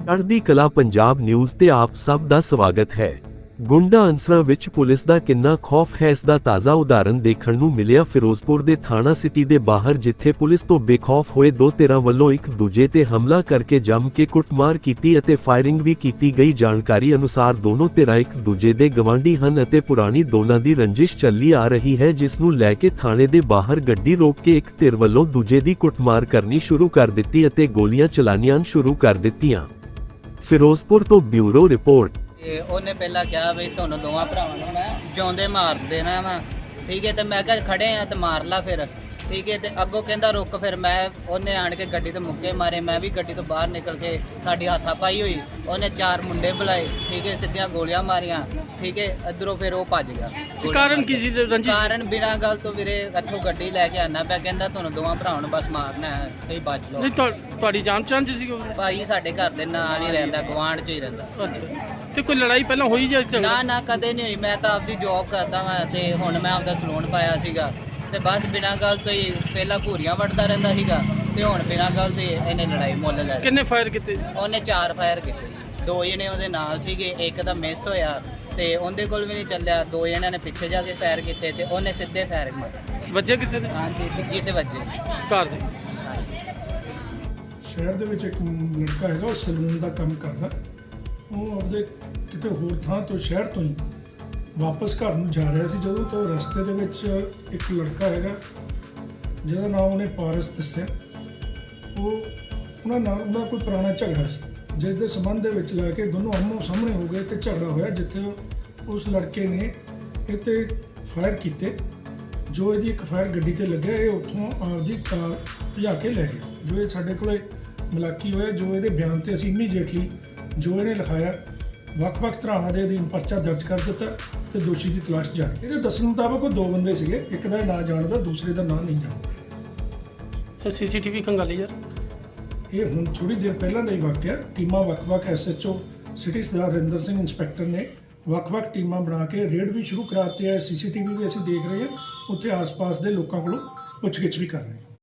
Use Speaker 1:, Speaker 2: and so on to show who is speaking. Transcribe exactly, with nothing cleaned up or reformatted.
Speaker 1: ਚੜ੍ਹਦੀ ਕਲਾ ਪੰਜਾਬ ਨਿਊਜ਼ ਤੇ ਆਪ ਸਭ ਦਾ ਸਵਾਗਤ ਹੈ। ਗੁੰਡਾ ਅਨਸਰਾਂ ਵਿੱਚ ਪੁਲਿਸ ਦਾ ਕਿੰਨਾ ਖੌਫ ਹੈ, ਇਸ ਦਾ ਤਾਜ਼ਾ ਉਦਾਹਰਨ ਦੇਖਣ ਨੂੰ ਮਿਲਿਆ ਫਿਰੋਜ਼ਪੁਰ ਦੇ ਥਾਣਾ ਸਿਟੀ ਦੇ ਬਾਹਰ, ਜਿੱਥੇ ਪੁਲਿਸ ਤੋਂ ਬੇਖੌਫ ਹੋਏ ਦੋ ਧਿਰਾਂ ਵੱਲੋਂ ਇੱਕ ਦੂਜੇ ਤੇ ਹਮਲਾ ਕਰਕੇ ਜੰਮ ਕੇ ਕੁੱਟਮਾਰ ਕੀਤੀ ਅਤੇ ਫਾਇਰਿੰਗ ਵੀ ਕੀਤੀ ਗਈ। ਜਾਣਕਾਰੀ ਅਨੁਸਾਰ ਦੋਨੋਂ ਧਿਰਾਂ ਇੱਕ ਦੂਜੇ ਦੇ ਗਵਾਂਢੀ ਹਨ ਅਤੇ ਪੁਰਾਣੀ ਦੋਨਾਂ ਦੀ ਰੰਜਿਸ਼ ਚੱਲੀ ਆ ਰਹੀ ਹੈ, ਜਿਸ ਨੂੰ ਲੈ ਕੇ ਥਾਣੇ ਦੇ ਬਾਹਰ ਗੱਡੀ ਰੋਕ ਕੇ ਇੱਕ ਧਿਰ ਵੱਲੋਂ ਦੂਜੇ ਦੀ ਕੁੱਟਮਾਰ ਕਰਨੀ ਸ਼ੁਰੂ ਕਰ ਦਿੱਤੀ ਅਤੇ ਗੋਲੀਆਂ ਚਲਾਣੀਆਂ ਸ਼ੁਰੂ ਕਰ ਦਿੱਤੀਆਂ। ਫਿਰੋਜ਼ਪੁਰ ਤੋਂ ਬਿਊਰੋ ਰਿਪੋਰਟ।
Speaker 2: ਤੇ ਉਹਨੇ ਪਹਿਲਾਂ ਕਿਹਾ ਵੀ ਤੁਹਾਨੂੰ ਦੋਵਾਂ ਭਰਾਵਾਂ ਨੂੰ ਮੈਂ ਜਿਉਂਦੇ ਮਾਰ ਦੇਣਾ ਵਾ, ਠੀਕ ਹੈ। ਤੇ ਮੈਂ ਕਿਹਾ ਖੜੇ ਆ ਤੇ ਮਾਰ ਲਾ ਫਿਰ, ਠੀਕ ਹੈ। ਤੇ ਅੱਗੋਂ ਕਹਿੰਦਾ ਰੁਕ, ਫਿਰ ਮੈਂ ਉਹਨੇ ਆਣ ਕੇ ਗੱਡੀ ਤੇ ਮੁੱਕੇ ਮਾਰੇ, ਮੈਂ ਵੀ ਗੱਡੀ ਤੋਂ ਬਾਹਰ ਨਿਕਲ ਕੇ ਸਾਡੀ ਹੱਥਾ ਪਾਈ ਹੋਈ, ਉਹਨੇ ਚਾਰ ਮੁੰਡੇ ਬੁਲਾਏ, ਠੀਕ ਹੈ, ਸਿੱਧੀਆਂ ਗੋਲੀਆਂ ਮਾਰੀਆਂ, ਠੀਕ ਹੈ। ਇੱਧਰੋਂ ਫਿਰ ਉਹ ਭੱਜ ਗਿਆ।
Speaker 3: ਕਾਰਨ ਕੀ ਸੀ ਰੰਜਿਸ਼?
Speaker 2: ਕਾਰਨ ਬਿਨਾਂ ਗੱਲ ਤੋਂ ਵੀਰੇ ਇੱਥੋਂ ਗੱਡੀ ਲੈ ਕੇ ਆਣਾ ਪਿਆ, ਕਹਿੰਦਾ ਤੁਹਾਨੂੰ ਦੋਵਾਂ ਭਰਾਵਾਂ ਨੂੰ ਬਸ ਮਾਰਨਾ ਹੈ, ਤੁਸੀਂ ਬਚ ਲਓ।
Speaker 3: ਨਹੀਂ ਤੁਹਾ- ਤੁਹਾਡੀ ਜਾਣ ਪਛਾਣ ਚ ਸੀ ਉਹ?
Speaker 2: ਭਾਈ ਸਾਡੇ ਘਰ ਦੇ ਨਾਲ ਹੀ ਰਹਿੰਦਾ, ਗੁਆਂਢ 'ਚ ਹੀ ਰਹਿੰਦਾ।
Speaker 3: ਅੱਛਾ, ਤੇ ਕੋਈ ਲੜਾਈ ਪਹਿਲਾਂ ਹੋਈ ਜਾਂ ਝਗੜਾ?
Speaker 2: ਨਾ ਨਾ ਕਦੇ ਨਹੀਂ ਹੋਈ। ਮੈਂ ਤਾਂ ਆਪਦੀ ਜੌਬ ਕਰਦਾ ਵਾਂ ਤੇ ਹੁਣ ਮੈਂ ਆਪਦਾ ਸਲੂਨ ਪਾਇਆ ਸੀਗਾ, ਤੇ ਬਸ ਬਿਨਾਂ ਗੱਲ ਤੋਂ ਹੀ ਪਹਿਲਾਂ ਘੂਰੀਆਂ ਵੱਢਦਾ ਰਹਿੰਦਾ ਸੀਗਾ, ਤੇ ਹੁਣ ਬਿਨਾਂ ਗੱਲ ਤੋਂ ਇਹਨੇ ਲੜਾਈ ਮੁੱਲ ਲੈ ਲਈ।
Speaker 3: ਕਿੰਨੇ ਫਾਇਰ ਕੀਤੇ?
Speaker 2: ਉਹਨੇ ਚਾਰ ਫਾਇਰ ਕੀਤੇ ਜੀ। ਦੋ ਜਣੇ ਉਹਦੇ ਨਾਲ ਸੀਗੇ, ਇੱਕ ਤਾਂ ਮਿਸ ਹੋਇਆ ਤੇ ਉਹਦੇ ਕੋਲ ਵੀ ਨਹੀਂ ਚੱਲਿਆ। ਦੋ ਜਣਿਆਂ ਨੇ ਪਿੱਛੇ ਜਾ ਕੇ ਫਾਇਰ ਕੀਤੇ ਤੇ ਉਹਨੇ ਸਿੱਧੇ ਫਾਇਰ ਮਾਰੇ।
Speaker 3: ਵੱਜੇ ਕਿਸੇ ਦੇ?
Speaker 2: ਹਾਂਜੀ, ਪਿੱਛੇ ਤੇ ਵੱਜੇ
Speaker 3: ਘਰ ਦੇ।
Speaker 4: ਸ਼ਹਿਰ ਦੇ ਵਿੱਚ ਇੱਕ ਲੜਕਾ ਹੈਗਾ, ਉਹ ਸਲੂਨ ਦਾ ਕੰਮ ਕਰਦਾ। ਉਹ ਆਪਦੇ ਕਿਤੇ ਹੋਰ ਥਾਂ ਤੋਂ, ਸ਼ਹਿਰ ਤੋਂ ਹੀ ਵਾਪਸ ਘਰ ਨੂੰ ਜਾ ਰਿਹਾ ਸੀ, ਜਦੋਂ ਤੋਂ ਰਸਤੇ ਦੇ ਵਿੱਚ ਇੱਕ ਲੜਕਾ ਹੈਗਾ ਜਿਹਦਾ ਨਾਮ ਉਹਨੇ ਪਾਰਸ ਦੱਸਿਆ। ਉਹ ਉਹਨਾਂ ਨਾਲ ਉਹਦਾ ਕੋਈ ਪੁਰਾਣਾ ਝਗੜਾ ਸੀ, ਜਿਸ ਦੇ ਸੰਬੰਧ ਦੇ ਵਿੱਚ ਲੈ ਕੇ ਦੋਨੋਂ ਆਮੋ ਸਾਹਮਣੇ ਹੋ ਗਏ ਤੇ ਝਗੜਾ ਹੋਇਆ, ਜਿੱਥੇ ਉਸ ਲੜਕੇ ਨੇ ਇਹ 'ਤੇ ਫਾਇਰ ਕੀਤੇ। ਜੋ ਇਹਦੀ ਇੱਕ ਫਾਇਰ ਗੱਡੀ 'ਤੇ ਲੱਗਿਆ, ਇਹ ਉੱਥੋਂ ਆਪਦੀ ਕਾਰ ਭਜਾ ਕੇ ਲੈ ਗਿਆ। ਜੋ ਇਹ ਸਾਡੇ ਕੋਲੇ ਮੁਲਾਕੀ ਹੋਇਆ, ਜੋ ਇਹਦੇ ਬਿਆਨ 'ਤੇ ਅਸੀਂ ਇਮੀਡੀਏਟਲੀ ਜੋ ਇਹਨੇ ਲਿਖਾਇਆ, ਵੱਖ-ਵੱਖ ਧਾਰਾਵਾਂ ਦੇ ਅਧੀਨ ਪਰਚਾ ਦਰਜ ਕਰ ਦਿੱਤਾ ਤੇ ਦੋਸ਼ੀ ਦੀ ਤਲਾਸ਼ ਜਾਰੀ। ਇਹਦੇ ਦੱਸਣ ਮੁਤਾਬਕ ਉਹ ਦੋ ਬੰਦੇ ਸੀਗੇ, ਇੱਕ ਦਾ ਨਾਂ ਜਾਣਦਾ, ਦੂਸਰੇ ਦਾ ਨਾਂ ਨਹੀਂ ਜਾਣਦਾ।
Speaker 3: ਸਰ ਸੀਸੀਟੀਵੀ ਖੰਗਾਲੀ ਯਾਰ?
Speaker 4: ਇਹ ਹੁਣ ਥੋੜੀ ਦੇਰ ਪਹਿਲਾਂ ਦਾ ਹੀ ਵਾਕਿਆ। ਟੀਮਾਂ ਵੱਖ-ਵੱਖ SHO city Sardar Rinder Singh inspector ਨੇ ਵੱਖ-ਵੱਖ ਟੀਮਾਂ ਬਣਾ ਕੇ ਰੇਡ ਵੀ ਸ਼ੁਰੂ ਕਰਾ ਦਿੱਤੀ ਹੈ। ਸੀਸੀਟੀਵੀ ਵੀ ਅਸੀਂ ਦੇਖ ਰਹੇ ਹਾਂ, ਉੱਥੇ ਆਸ-ਪਾਸ ਦੇ ਲੋਕਾਂ ਕੋਲੋਂ ਪੁੱਛਗਿੱਛ ਵੀ ਕਰ ਰਹੇ ਹਾਂ।